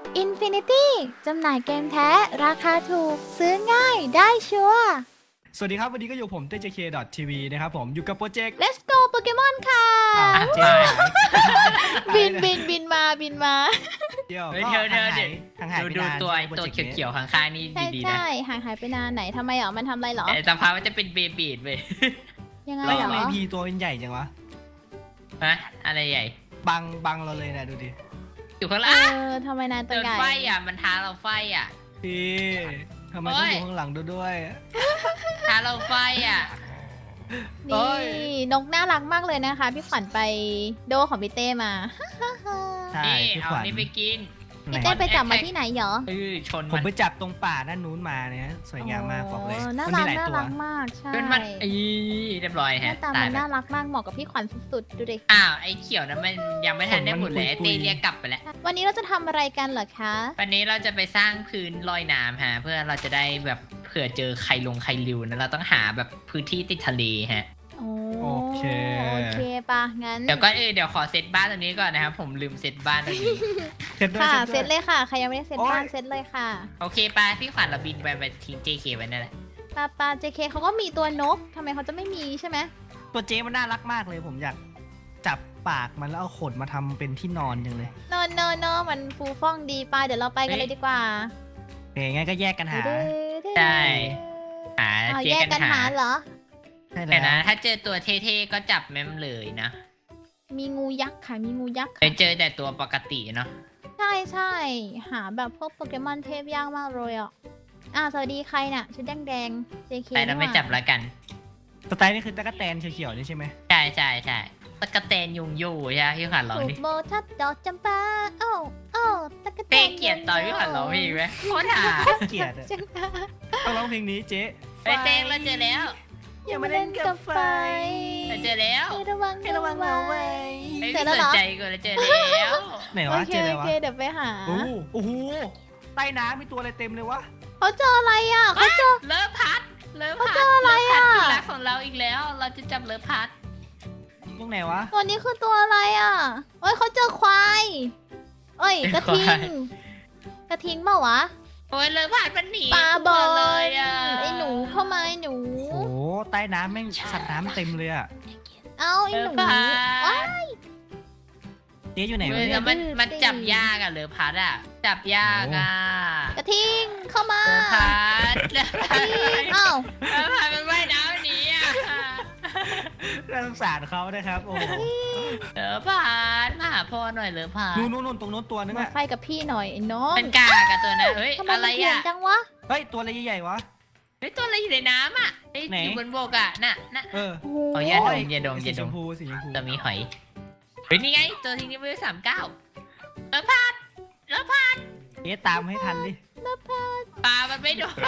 Infinity จำหน่ายเกมแท้ราคาถูกซื้อง่ายได้ชัวร์สวัสดีครับวันนี้ก็อยู่ผมTJK.TV นะครับผมอยู่กับโปรเจกต์ Let's go โปเกมอนค่ะเจ๊บินมาเดี๋ยวเฮ้ยก็เธอห่างหายไปดูนานตัวใช่ไหมตัวโปรจกต์นี้เขียวๆข้างๆนี่ใช่ดีๆนะใช่ห่างหายไปนานไหนทำไมอ่ะมันทำอะไรเหรอแต่สภาพมันจะเป็นเบบีดเว้ยยังไงแล้วเหรทำไมอพีตัวเป็นใหญ่จังวะฮะอะไรใหญ่บังเราเลยนะดูดิอยู่ข้างเอล่างอทำไมนายตัวเดินใหญ่ไฟอ่ะมันท้าเราไฟอ่ะพี่ทำไมต้องอยู่ข้างหลังด้วยท้าเราไฟอ่ะเอ้นี่ยนกน่ารักมากเลยนะคะ พี่ขวัญไปโดของพี่เต้มาใช่นี่พี่เอาขวัญนี่ไปกินไหนพี่เต้ไปจับมาที่ไหนเหรอชนผมมันไปจับตรงป่าด้านนู้นมาเนี่ยสวยงามมากบอกเลยน่ามัรัมีกหลายน่าตัวรักมากใช่จนมันเรียบร้อยหน้าฮะตาตามัยนไปน่ารักมากเหมาะกับพี่ขวัญสุดๆดูดิอ้าวไอ้เขียวนั้นมันยังไม่ทันได้หมดเลยไอ้เต้เรียกกลับไปแล้ววันนี้เราจะทำอะไรกันเหรอคะวันนี้เราจะไปสร้างพื้นลอยน้ำฮะเพื่อเราจะได้แบบเผื่อเจอใครริวนะเราต้องหาแบบพื้นที่ติดทะเลฮะโอเคปะงั้นเดี๋ยวก็เดี๋ยวขอเซตบ้านตรงนี้ก่อนนะครับผมลืมเซตบ้านตรงนี้เสร็จด้วยค่ะเสเซร็ตจเลด้วยยค่ะ ใครยังไม่ได้เซตโอ๊ยบ้านเซตเลยค่ะโอเคไปพี่ขวัญเราบินไปทิ้ง JK ไว้นั่นแหละปา JK เขาก็มีตัวนกทำไมเขาจะไม่มีใช่ไหมตัวเจ๊มันน่ารักมากเลยผมอยากจับปากมันแล้วเอาขนมาทำเป็นที่นอนจังเลยโนมันฟูฟ่องดีไปเดี๋ยวเราไปกันเลยดีกว่าโอเคงั้นก็แยกกันหาใช่หาเอาเจแยกกักัน นหาหาเหรอใช่แต่แล้วนะถ้าเจอตัวเท่ๆก็จับแม่มเลยนะมีงูยักษ์ค่ะ มีงูยักษ์ไปค่ะเจอแต่ตัวปกติเนาะใช่หาแบบพวกโปเกมอนเทพยากมากเลยอ่ะสวัสดีใครน่ะชุดแดง JK แต่เราไม่จับแล้วกันสไตล์นี่คือตะกั่แตนเขียวๆนี่ใช่ไหมใช่ตะกะแตนยุงยู่ใช่ไหมพี่ขวัญร้องถูดิกโบทัดดอกจำปาโอ้ตะกะแตเต้นเกลียดตอนพี่ขวัญร้องเพลงไหมโคตรหาเกลียดอะจังปาต้องร้องเพลงนี้เจ๊เฮ้ยเต้เราเจอแล้วอย่ามาเล่นกับไฟเราเจอแล้วให้ระวังให้ระวังเอาไว้ไม่เจอแล้วสเหรนอใจกูเราเจอแล้วไหนโอวะเคเจออะไรโอวะเคเดี๋ยวไปหาโอ้โหใต้น้ำมีตัวอะไรเต็มเลยวะเขาเจออะไรอ่ะเขาเจอเลิฟพัดเขาเจออะไรอะเลิฟพัดที่รักของเราอีกแล้ว เราจะจับเลิฟพัดตรงไหนวะตัวนี้คือตัวอะไรอ่ะเอ้ยเขาเจอควายเอ้ยกระทิงกระทิงเปล่าวะโอ้ยเลิฟพัดมันหนีปลาบอลเลยอ่ะไอ้หนูเข้ามาไอ้หนูโอ้โหใต้น้ำแม่งสัตว์น้ำเต็มเลยอะเอาไอ้เลิหฟนูพัว้าดเจ๊อยู่ไหนวะเฮ้ยเนี่แล้ยวมันจับยากอะเลิฟพัดอะจับยากอะกระทิงเข้ามาเลิฟพัดเลิฟกพัระดทิงเอ้าเลิฟพัดมันว่ายน้ำหนีอะน่าสงสารเขานะครับโอ้โหเลิฟพัดมาหาพ่อหน่อยเลิฟพัดนู่นตรงนู้นตัวนึงมาอะไฟกับพี่หน่อยไอ้น้องมันกากอะตัวนั้นเฮ้ยทำไมอะไรมันเถื่อนอะจังวะเฮ้ยตัวอะไรใหญ่ๆวะเฮ้ยตัวอะไรอยู่ในน้ำอะเฮ้ยไหนอยู่บนบกอะน่ะเออโอ้โหเอาอย่าดมอย่าดมอสีย่าชดมมพูสีชมพูตัวมีหอยเฮ้ยนี่ไงตัวที่นี่เวล39เลิฟพัดเลิฟพัดเจ๊ตามให้ทันดิปลามันไม่โดน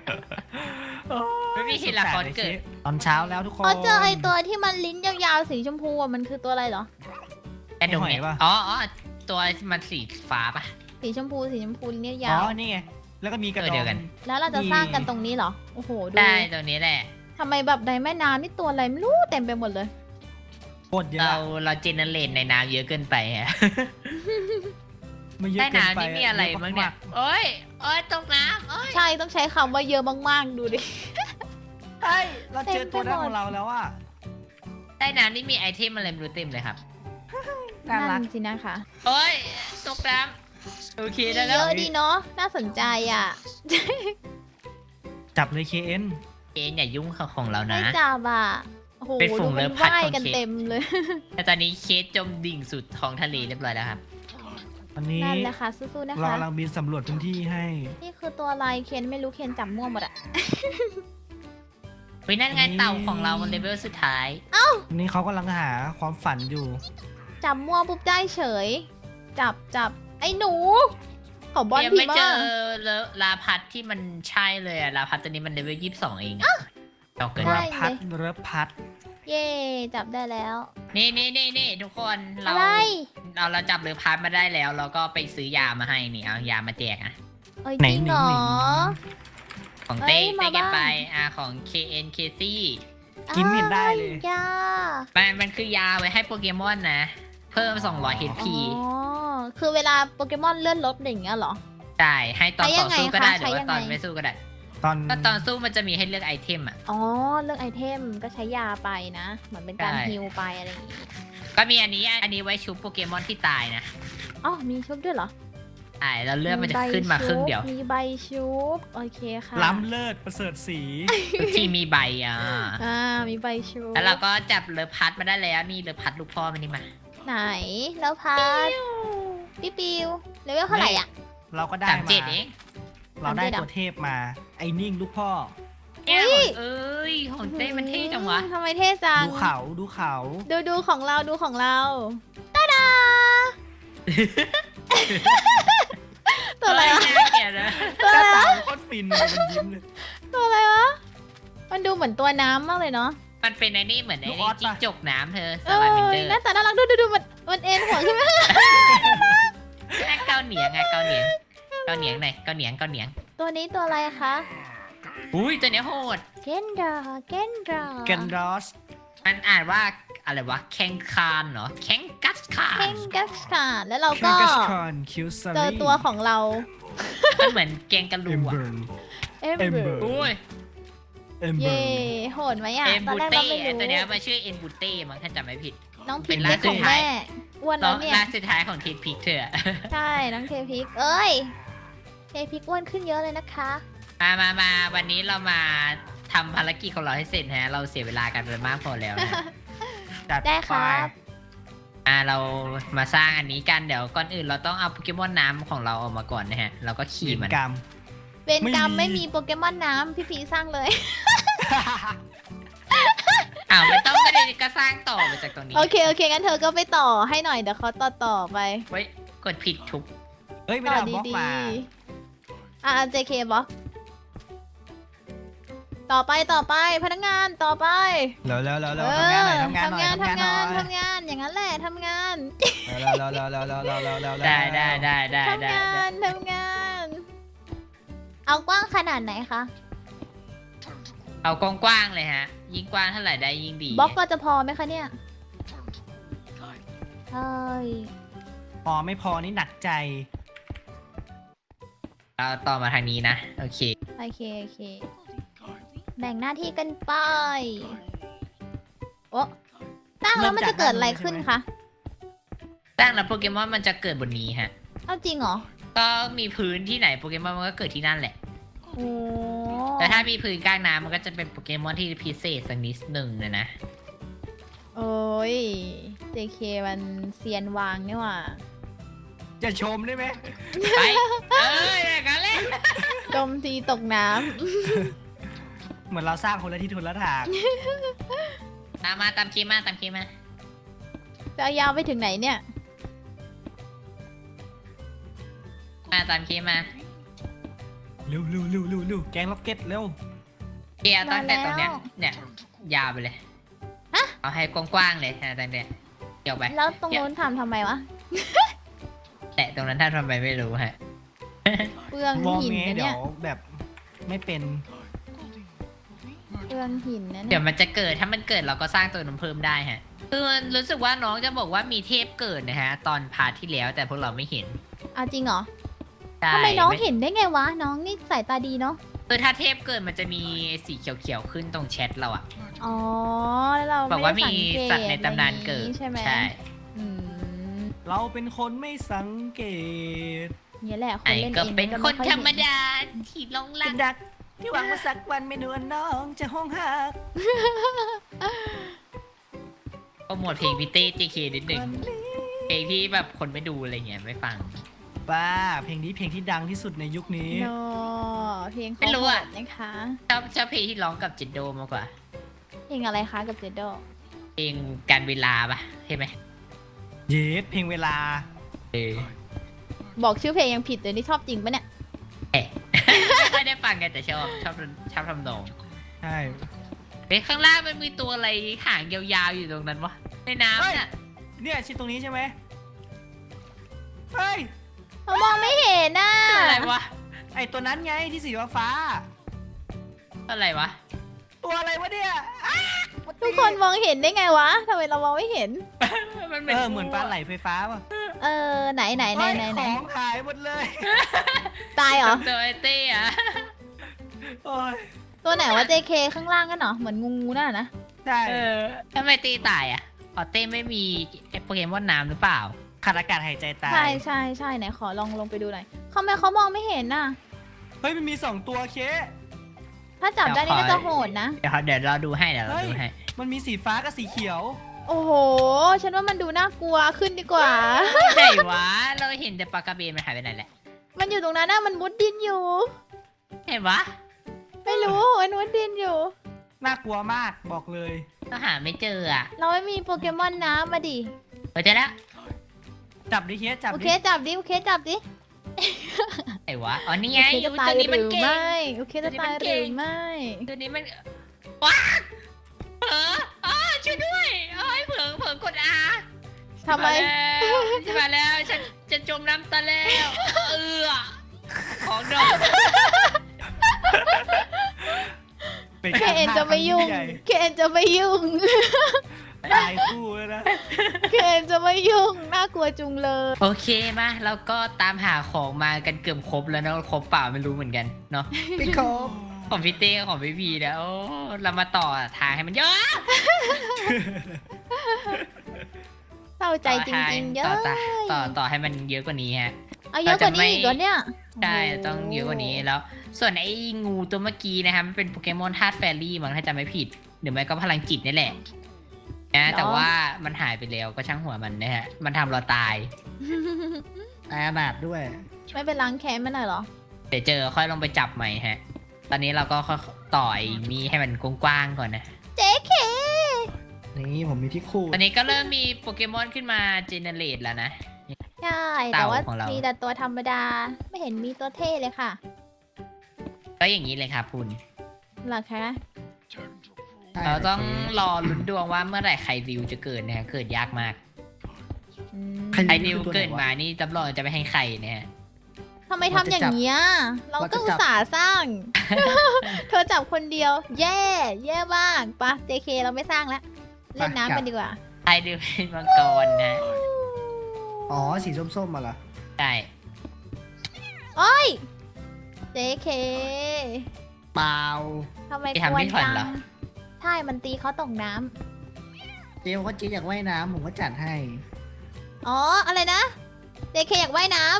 ไม่มีเหตุละครเกิดตอนเช้าแล้วทุกคนเขาเจอไอ้ตัวที่มันลิ้นยาวๆสีชมพูอะมันคือตัวอะไรเหรอแอดดงเนี่ยหอยปะอ๋อตัวมันสีฟ้าปะสีชมพูลิ้นอ๋ยาวอนี่ไงแล้วก็มีกระตัวดเดีอยวกันงแล้วเราจะสร้างกันตรงนี้เหรอโอ้โหดูได้ตัวนี้แหละทำไมแบบในแม่น้ำนี่ตัวอะไรไม่รู้เต็มไปหมดเลยโคตรเยอะเราเจเนเรตในน้ำเยอะเกินไปฮะมันเยอะใต้เกินไปน้ำนี่มีอะไรบ้างเนี่ยโอ้ยตกน้ำโอ้ยใช่ต้องใช้คำว่าเยอะมากๆดูดิใช่เราเจอตัวนั้นของเราแล้วอ่ะใต้น้ำนี่มีไอเทมอะไรไม่รู้เต็มเลยครับน่ารักนั่นสินะคะโอ้ยตกน้ำโอเคได้เยแล้วอะดีเนาะน่าสนใจอ่ะจับเลย KN เกณอย่ายุ่งของเราไม่นะจับอ่ะโอ้โหเป็นฝูดูงมันเลิฟพัดว่ายของกันเคสเต็มเลยแต่ตอนนี้เคสจมดิ่งสุดท้องทะเลเรียบร้อยแล้วครับวันนี้นั่นแหละค่ะสู้ๆนะเราคะกำลังบินสำรวจพื้นที่ให้นี่คือตัวอะไรเคนไม่รู้เคนจำมั่วหมดอ่ะเฮ้ยนั่นไงเต่าของเรามันเลเวลสุดท้ายวันนี้เขากำลังหาความฝันอยู่จำมั่วปุ๊บได้เฉย จับไอ้หนูขอบอลยังพีไม่มาเจอลาพัดที่มันใช่เลยอะลาพัดตัวนี้มันเลเวล22เองอะเอาเกินเรือพัดเรือพัดเย่จับได้แล้วนี่ทุกคนเราอะไรเราจับเรือพัดมาได้แล้ว เราก็ไปซื้อยามาให้นี่เอายามาแจกอะเอ้ยไหนจริงหเหรนึ่งอของเต้เอ้ยมาเก็บไปบ้างของ KN KC กินไม่เห็นได้เลยยามันคือยาไว้ให้โปเกมอนนะ เพิ่ม200 HP อ๋อคือเวลาโปเกมอนเลื่อนรถอย่างเงี้ยเหรอใช่ให้ตอนใช้ยัต่องไงสู้ก็ได้คะหรือว่าใช้ยังตอนไงไม่สู้ก็ได้ตอนก็ตอนสู้มันจะมีให้เลือกไอเทมอ่ะอ๋อเลือกไอเทมก็ใช้ยาไปนะ เหมือนเป็นการใช่ฮิลไปอะไรอย่างงี้ก็มีอันนี้ไว้ชุบโปเกมอนที่ตายนะอ๋อมีชุบด้วยเหรอใช่แล้วเลือดมันจะขึ้นมาครึ่งเดียวมีใบชุบโอเคค่ะล้ำเลิศประเสริฐสีที่มีใบอ่ะมีใบชุบแล้วเราก็จับเลอพัดมาได้แล้วนี่เลอพัดลูกพ่อมันนี่มาไหนแล้วพัดพี่ปิวเลเวลเท่าไหร่อ่ะเราก็ได้สามมาเจ็ดเองเราได้ 37เหรอตัวเทพมา ไอ้นิ่งลูกพ่อเนี่ยอุ๊ยเอ้ยของเต้มันเท่จังวะทำไมเท่จังดูเขาดูเขาดูของเราดูของเราตาดา ตัวอะไรวะเน่าเกลียดนะตัวหอะไรน้าว ตาโคตรฟินเลยมันยิ้มเลยตัวอะไรวะ มันดูเหมือนตัวน้ำมากเลยเนาะมันเป็นไอ้นี่เหมือนไอ้ลูกอนี่อสปะจิ้งจกน้ำเธอเอสลาอมินเดอร์หน้าตาน่ารักดูมันเอ็นหัวขึ้นมาแค่เกาเหนียงไงเกาเหนียงเกาเหนียงหน่อยเกาเหนียงเกาเหนียงตัวนี้ตัวอะไรคะอุ้ยตัวเนี้ยโหดเกนดราเกนรอสมันอ่านว่าอะไรวะแข่งคานเหรอแข่งกัสคาเคน งกัสค่ะแล้วเราเคก็กัสคอนคิวซาเจรีอตัวของเรามันเหมือนแกงกะลูเอมอ่ะเบิร์นเอ็มเบอ Ember ร์อุ้ยเอมเบิเย่ร์นโหดไหมอ่ะเอ็มตอนบูแรกเต้เราไม่รู้ตัวเนี้ยมันชื่อเอ็นบูเต้มั้งถ้าจำไม่ผิดน้องเป็พิกนนี่ล่าสุขดองท้ายแม่อ้วนน้แล้อวงเนี่ยล่าสุดท้ายของทีพิกเธอใช่น้องเทพิกเอ้ยเทพิกอ้วนขึ้นเยอะเลยนะคะมาวันนี้เรามาทำภารกิจของเราให้เสร็จฮะเราเสียเวลากันไปมากพอแล้วนะจัดได้คไปรับเรามาสร้างอันนี้กันเดี๋ยวก่อนอื่นเราต้องเอาโปเกมอนน้ำของเราออกมาก่อนนะฮะเราก็ขี่ขีมันกรรมเวรกรรมไม่ไม่มีมีโปเกมอนน้ำพี่พีสร้างเลยอ้าวไม่ต้องก็ได้ก็สร้างต่อมาจากตรงนี้โอเคงั้นเธอก็ไปต่อให้หน่อยเดี๋ยวเขาต่อไปไว้กดผิดทุกเฮ้ยไม่ต่ได้อเอาบล็อกดีมาๆJK บล็อกต่อไปพนักงานต่อไปแล้วทำงานหน่อยทำงานหน่อยทำงานทำงานหน่อยทำงานอย่างนั้นแหละทำงานแล้วได้ทำงาน เอากว้างขนาดไหนคะเอากว้างๆเลยฮะ ยิ่งกว้างเท่าไหร่ได้ยิ่งดีบล็อกก็จะพอไหมคะเนี่ยใช่พอไม่พอนี่หนักใจเราต่อมาทางนี้นะโอเคโอเคแบ่งหน้าที่กันไปโอ้ตั้งแล้วมันจะเกิดอะไรขึ้นคะสร้างแล้วโปเกมอนมันจะเกิดบนนี้ฮะเอาจริงเหรอก็มีพื้นที่ไหนโปเกมอนมันก็เกิดที่นั่นแหละโอ้แต่ถ้ามีพื้นกลางน้ำมันก็จะเป็นโปเกมอนที่พิเศษสักนิดหนึ่งนะโอ้ย JK มันเซียนวางนี่หว่าจะชมได้ไหมไปอย่างนั้นเลยจมทีตกน้เหมือนเราสร้างคนละที่ทุนละทางมาตามคีมาำจะเอายาวไปถึงไหนเนี่ยตามคีมาเร็วแกงล็อกเก็ตเร็วเกียร์ตั้งแต่ตรงเนี้ยมาแล้วเนี่ยยาวไปเลยฮะเอาให้กว้างๆเลยตั้งแต่เกี่ยวไปแล้วตรงนู้นทำไมวะแต่ตรงนั้นถ้าทำไปไม่รู้ฮะเปลืองวองหินเงี้นะเดี๋เนี่ยยวแบบไม่เป็นเปลืองหินนะเดี๋เนี่ยยวมันจะเกิดถ้ามันเกิดเราก็สร้างตัวนั้นเพิ่มได้ฮะคือรู้สึกว่าน้องจะบอกว่ามีเทพเกิดนะฮะ ตอนพาร์ทที่แล้วแต่พวกเราไม่เห็นเอาจริงเหรอใช่ทำไมน้องเห็นได้ไงวะ น้องนี่สายตาดีเนาะคือถ้าเทพเกิดมันจะมีสีเขียวๆขึ้นตรงแชทเราอะอ๋อ แล้วเราบอกไม่ว่าได้มีสังเกตสัตว์ในตำนานเกิดอะไรอย่างงี้ใช่ไหมใช่อืมเราเป็นคนไม่สังเกตเนี่ยแหละคนไอ้เล่นก็เองเป็นก็คไม่นอยธรเห็รมดาที่หลงรัเป็กนดักที่หวังว่าสักวันเมนูน้องจะห้องหักโปรโมทเพลงพี่เต้ JK นิดหนึ่งเพลงที่แบบคนไม่ดูอะไรเงี้ยไม่ฟังบ้าเพลงนี้เพลงที่ดังที่สุดในยุคนี้โนเพลงไม่รู้อะโหดนะคะชอบเพลงที่ร้องกับจินโดมากกว่าเพลงอะไรคะกับเจโดเพลงการเวลาปะใช่ไหมเยสเพลงเวลาบอกชื่อเพลงยังผิดเลยนี่ชอบจริงปะเนี่ยไม่ค่อยได้ฟังกันแต่ชอบทำนองใช่เฮ้ยข้างล่างมันมีตัวอะไรหางยาวๆอยู่ตรงนั้นวะในน้ำน่ะเนี่ยชิดตรงนี้ใช่ไหมเฮ้ยเรามองไม่เห็นน่ะอะไรวะไอตัวนั้นไงที่สีฟ้าอะไรวะตัวอะไรวะเนี่ยอ้าทุกคนมองเห็นได้ไงวะทำไมเรามองไม่เห็นมันเหมือนปลาไหลไฟฟ้าป่ะไหนเฮ้ยของหายหมดเลยตายเหรอตัวไอเต้อะโอ้ยตัวไหนว่า JK ข้างล่างกันเหรอเหมือนงูนั่นนะใช่ทำไมเต้ตายอ่ะอ๋อเต้ไม่มีโปเกมอนน้ำหรือเปล่าขาดอากาศหายใจตายใช่ไหนขอลงไปดูหน่อยเขาไม่เขามองไม่เห็นน่ะเฮ้ยมันมี2ตัวเคถ้าจับได้นี่ก็จะโหดนะเดี๋ยวเราดูให้เดี๋ยวเราดูให้มันมีสีฟ้ากับสีเขียวโอ้โห ฉันว่ามันดูน่ากลัวขึ้นดีกว่าไหนวะเราเห็นแต่ปลากระเบนมันหายไปไหนแหละมันอยู่ตรงนั้นนะมันมุดดินอยู่เห็นวะไม่รู้มันมุดดินอยู่น่ากลัวมากบอกเลยเราหาไม่เจออ่ะเราไม่มีโปเกมอนน้ำมาดิเจอแล้วจับดิเคจับโอดิเคจับดิโอเคจับดิไหนวะอ๋อนี่ไงโอเคจะตายตัวนี้หมันรือเก่งไม่โอเคจะตายหรือไม่ตัวนี้มันว้าเผลออ๋อช่วยด้วยเอ้ยเผลอกดอาทำไมมาแล้วฉันจะจมน้ำตะแล้วของดอกเป็นเคการเอ็นฆ่าจะไม่ยุ่งครั้งเคเอ็นจะไม่ยุ่งใหญ่ตายคู่เลยนะเคเอ็นจะไม่ยุ่งน่ากลัวจุงเลยโอเคมาเราก็ตามหาของมากันเกือบครบแล้วเนาะครบเปล่าไม่รู้เหมือนกันเนาะไม่ครบของพี่เต้กับของพี่พีนะโอ้เรามาต่อทางให้มันเยอะเศร้าใจจริงๆเยอะต่อให้มันเยอะกว่านี้ฮะเอาเยอะกว่านี้อีกเหรอเนี่ยใช่ต้องเยอะกว่านี้แล้ว ส่วนไอ้งูตัวเมื่อกี้นะครับมันเป็นโปเกมอนธาตุแฟรี่มั้งถ้าจำไม่ผิดหรือไม่ก็พลังจิตนี่แหละนะแต่ว่ามันหายไปแล้วก็ช่างหัวมันนะฮะมันทำเราตายตายอนาถด้วยไม่เป็นล้างแค้นมันหน่อยเหรอเดี๋ยวเจอค่อยลงไปจับใหม่ฮะ ตอนนี้เราก็ค่อยต่อยมีให้มันกว้างๆก่อนนะเจ๊เคนี่ผมมีที่คู่ตอนนี้ก็เริ่มมีโปเกมอนขึ้นมาเจเนเรตแล้วนะใช่แต่ว่าเต่าของเรามีมีแต่ตัวธรรมดา ไม่เห็นมีตัวเท่เลยค่ะก็อย่างนี้เลยครับคุณหรอคะเราต้องรอลุ้นดวงว่าเมื่อไหร่ไคริวจะเกิดนะฮะเกิดยากมากอืมไคริวเกิดมานี่จำลองจะไม่ให้ใครนะฮะทำไมทำอย่างเงี้ยเราก็อุตส่าห์สร้าง เธอจับคนเดียว แย่มากปะ JK เราไม่สร้างแล้วเล่นน้ำกันดีกว่าไคริวเป็นมังกรนะอ๋อสีส้มๆมาละใช่โอ้ย JK เปล่าทำไมกวนจังใช่มันตีเขาตกน้เจลก็เจอยากว่ายน้ำผมก็จัดให้ำอ๋ออะไรนะ JK อยากว่ายน้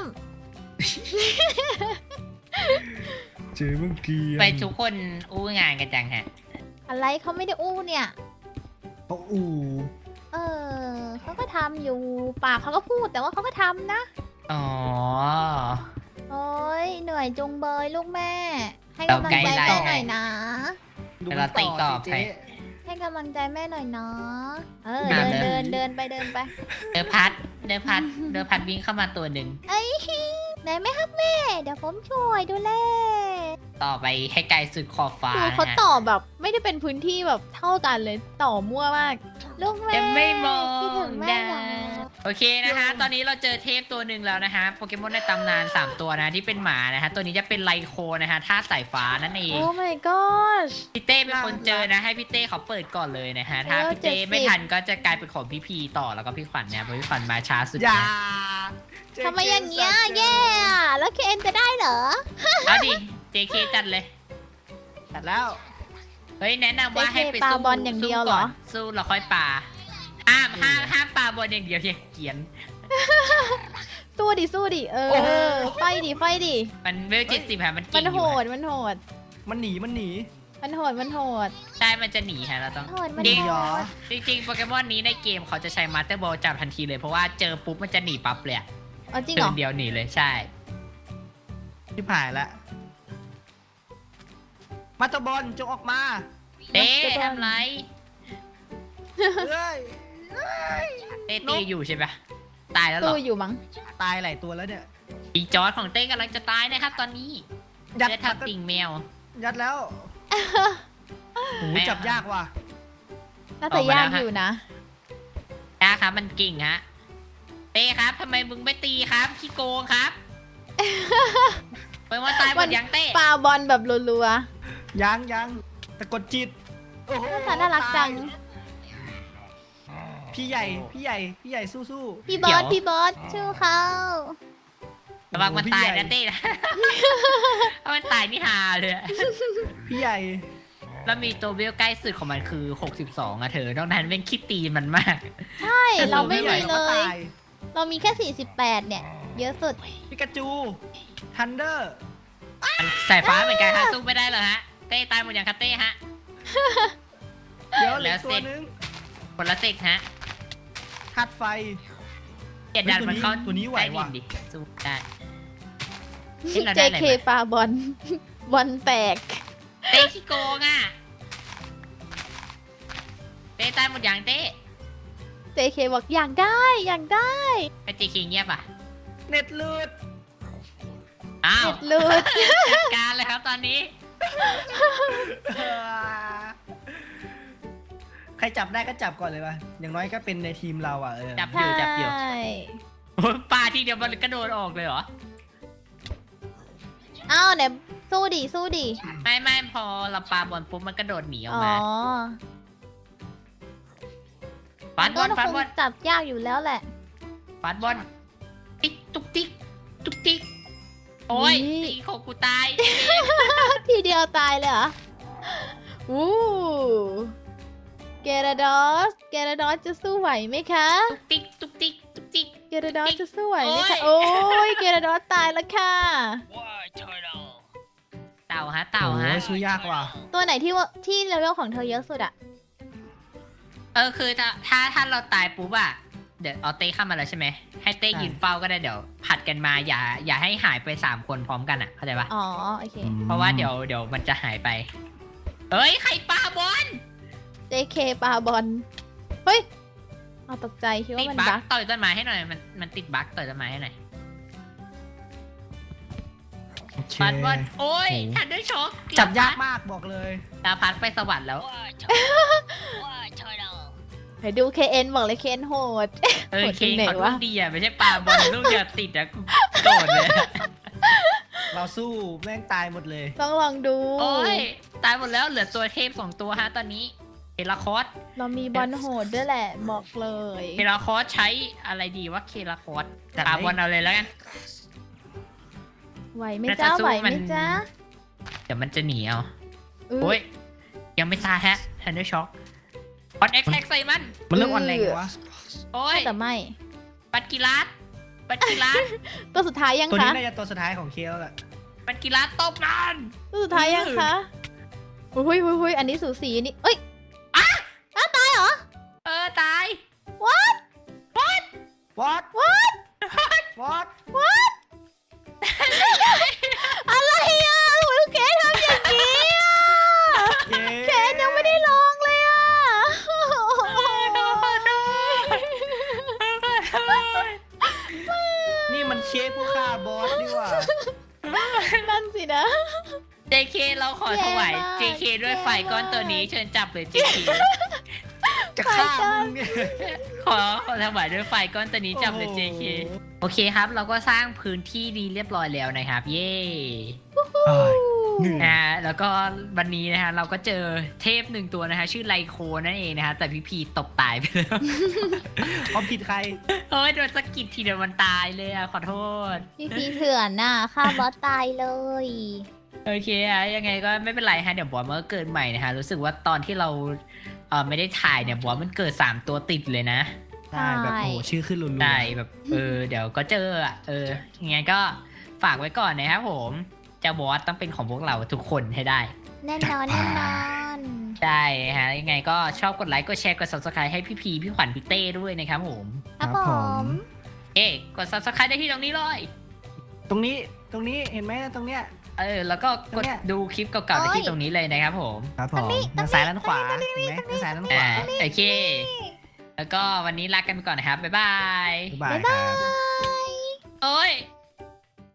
เจอเมื่อกี้ไปทุกคนอู้งานกันจังฮะำอะไรเขาไม่ได้อู้เนี่ยเขาอู่เขาก็ทำอยู่ปากเขาก็พูดแต่ว่าเขาก็ทำนะอ๋อโอ้ยเหนื่อยจุงเบยลูกแม่ ให้กำลังใจเราไกลแม่ไลน์หน่อยนะดูเวลาตีกรอบสิให้เจ๊ให้กำลังใจแม่หน่อยเนาะเดิเดินนเดินไปเดินพัดวิ่งเข้ามาตัวหนึ่งเอ้ยไหนไหมครับแม่ เดี๋ยวผมช่วยดูแลต่อไปให้ไกลสุดขอบฟ้าดูนะเขาฮะต่อแบบไม่ได้เป็นพื้นที่แบบเท่ากันเลยต่อมั่วมาก ลูกแม่จะไม่มอคิดถึงงแม่ได้เหรอโอเคนะคะ ตอนนี้เราเจอเทพตัวหนึ่งแล้วนะคะโปเกมอนในตำนาน 3 ตัวนะที่เป็นหมานะคะตัวนี้จะเป็นไลโคนะคะธาตุสายฟ้านั่นเองโอ้ my gosh พี่เต้เป็นคนเจอนะให้พี่เต้เขาเปิดก่อนเลยนะคะถ้าเออพี่เต้ 70 ไม่ทันก็จะกลายเป็นของพี่พีต่อแล้วก็พี่ขวัญเนี่ยเพราะพี่ขวัญมาช้าสุดอย่านะเจ๊ทำไมอย่างเงี้ยแย่อะแล้วเคนจะได้เหรอเอาดิ JK จัดเลยจัดแล้วเฮ้ยแนะนำว่า JK ให้ไปปาสู้บอลอย่างเดียวเหรอสู้แล้วค่อยปาห้ามปาบอลอย่างเดียวอย่าเกรียนสู้ดิไฟดิมันเวล70ค่ะมันมัเก่นงอโหยู่ดฮะมันโหดมันหนีมันโหดใช่มันจะหนีฮะเราต้องโหดมันจริงโหดจริงๆโปเกมอนนี้ในเกมเขาจะใช้มาสเตอร์บอลจับทันทีเลยเพราะว่าเจอปุ๊บมันจะหนีปั๊บเลยอะเอาจริงเดิเหรอนเดียวหนีเลยใช่ที่ผ่านละมาตบอลจงออกมาเต้ทำไรเฮ้ยเต้ตีอยู่ใช่ปะตายแล้วเหรตู้ออยู่มั้งตายหลายตัวแล้วเนี่ยอีจอร์ดของเต้กำลังจะตายนะครับตอนนี้ยัดเลือดทำติ่งแมวยัดแล้วโหแม่จับยากว่ะน่าจะยากอยู่นะนะครับมันเก่งฮะเต้ครับทำไมมึงไม่ตีครับขี้โกงครับไปมาตายหมดยังเต้ปาบอลแบบรัวยังแต่กดจิตโอ้โหๆน่ารักจังพพี่ใหญ่สู้พี่บอสพี่บอสชื่อเขาระวังมันตายนะเต้นะ ถ้ามันตายนี่ฮาเลยอะพี่ใหญ่แล้วมีตัวเวลใกล้สุดของมันคือ62อะเธอนอกนั้นเป็นคิดตีมันมากใช่เราไม่พี่ใหญ่มีก็เลยตายเรามีแค่48เนี่ย เยอะสุดปิกาจูทันเดอร์สายฟ้าเหมือนกันฮะสู้ไม่ได้เลยฮะเต้ตายหมดอย่างคะเต้ฮะเดี๋ยวเหลือแล้วตัวนึงคนละเซกฮะธาตุไฟเกียดดันมันเข้าตัวนี้ไหวใต้ดิว่ะดิสู้ได้ เฮ้ยเราได้อะไร JK มาปาบอล บอลแตกเต้ขี้โกงอ่ะเต้ตายหมดอย่างเต้ JK บอกอยากได้อยากได้ไอจีคิงเงียบอ่ะเน็ตหลุดอ้าวเด็ดเลยจัดการเลยครับตอนนี้ใครจับได้ก็จับก่อนเลยป่ะอย่างน้อยก็เป็นในทีมเราอ่ะจับอยู่จับอยู่ใช่ปลาทีเดียวมันกระโดดออกเลยเหรออ้าวเนี่ยสู้ดิสู้ดิไม่พอเราปาบอลปุ๊บมันกระโดดหนีออกอ๋อมาฟาดบอลมันฟาดก็บอลคงจับยากอยู่แล้วแหละฟาดบอลติ๊กตุ๊กติ๊กตุ๊กติ๊กโอ้ยนี่ตีของกูตายทีเดียวตายเลยเหรอวู้เกราดอสจะสู้ไหวไหมคะตุ๊กติ๊กตุ๊กติ๊กตุ๊กติ๊กเกราดอสจะสู้ไหวไหมคะโอ้โอ้ยยเกราดอสตายแล้วค่ะเต่าฮะเต่าฮะโอ้ยสู้ยากว่ะตัวไหนที่เลเวลของเธอเยอะสุดอะคือถ้าเราตายปุ๊บอะเดี๋ยวเอาเต้เข้ามาแล้วใช่ไหมให้เต้ยืนเฝ้าก็ได้เดี๋ยวผัดกันมาอย่าให้หายไป3 คนพร้อมกันอะเข้าใจปะอ๋อโอเคเพราะว่าเดี๋ยวมันจะหายไปเฮ้ยใครปาบอล JK ปาบอลเฮ้ยเอาตกใจคิดติว่าดมันบั๊บั๊กกต่อยต้นไม้ให้หน่อยมันติดบั๊กต่อยต้นไม้ให้หน่อยโอเคปาบอลโอ้ยโอ้โหทันด้วยช็อคจับยากมากบอกเลยดาวพัดไปสวรรค์แล้วไปดู KN บอกเลย KN โหดเออโหดเคตรงไหนเขาลูวะกดีอะไม่ใช่ปาบอลลูกเดียวติดอะกูโกรธเลยอะเราสู้แม่งตายหมดเลยต้องลองดูโอ้ยตายหมดแล้วเหลือตัวเทพ2 ตัวฮะตอนนี้เคลาคอสเรามีบอลโหดด้วยแหละ บอกเลยเคลาคอสใช้อะไรดีวะเคลาคอสจัดปาเลยบอลเอาเลยแล้วกันไหวไหมน่าจะจ้าสู้ไหวไหมัมนจ้าเดี๋ยวมันจะหนีเอาอื้อโอ้ยยังไม่ตายฮะทันด้วยช็อคออนเอ็กแท็กใส่มันมันเริ่มอ่อนแรงวะโอ้ยแต่ไม่ปัดกีฬาสตัวสุดท้ายยังตัวคะนี้น่าจะตัวสุดท้ายของเคลแหละปัดกีฬาสตบมันตัวสุดท้ายยังคะหุยอันนี้สูสีอันนี้เอ้ย ตายเหรอตาย what what what what อะไรอ่ะโอ้ยเกดทำอย่างนี้อ่ะเย้เกดยังไม่ได้ลองเลยอ่ะนี่มันเชฟผู้ฆ่าบอสดีกว่านั่นสินะ JK เราขอถวายแย่มาก JK ด้วยไฟก้อนตัวนี้เชิญจับเลย JK จะฆ่ามึงเนี่ยขอถวายด้วยไฟก้อนตัวนี้จับเลย JK โอเคครับ เราก็สร้างพื้นที่ดีเรียบร้อยแล้วนะครับ เย้เอ้ยเหนื่อยแล้วก็วันนี้นะฮะเราก็เจอเทพ1 ตัวนะฮะชื่อไลโคนั่นเองนะฮะแต่พี่พีตกตายไปแล้วเขาผิดใครโอ้ยโดนสะกิดทีเดียวมันตายเลยอ่ะขอโทษพี่เถื่อนน่ะฆ่าบอสตายเลยโอเคอะยังไงก็ไม่เป็นไรฮะเดี๋ยวบอสมันก็เกิดใหม่นะฮะรู้สึกว่าตอนที่เราไม่ได้ถ่ายเนี่ยบอสมันเกิด3 ตัวติดเลยนะได้แบบโอ้โหชื่อขึ้นรุนๆได้แบบเดี๋ยวก็เจออ่ะยังไงก็ฝากไว้ก่อนนะครับผมเจ้าบอสต้องเป็นของพวกเราทุกคนให้ได้แน่นอนแน่นอนใช่ฮะยังไงก็ชอบกดไลค์กดแชร์กด subscribe ให้พี่พีพี่ขวัญพี่เต้ด้วยนะครับผมครับผมกด subscribe ได้ที่ตรงนี้เลยตรงนี้เห็นไหมตรงเนี้ยแล้วก็กดเนี่ยดูคลิปเก่าๆได้ที่ตรงนี้เลยนะครับผมครับผมด้านซ้ายด้านขวาเห็นไหมด้านซ้ายด้านขวาโอเค แล้วก็วันนี้ลากันไปก่อนนะครับ บ๊ายบายบ๊ายบายครับบายโอ้ย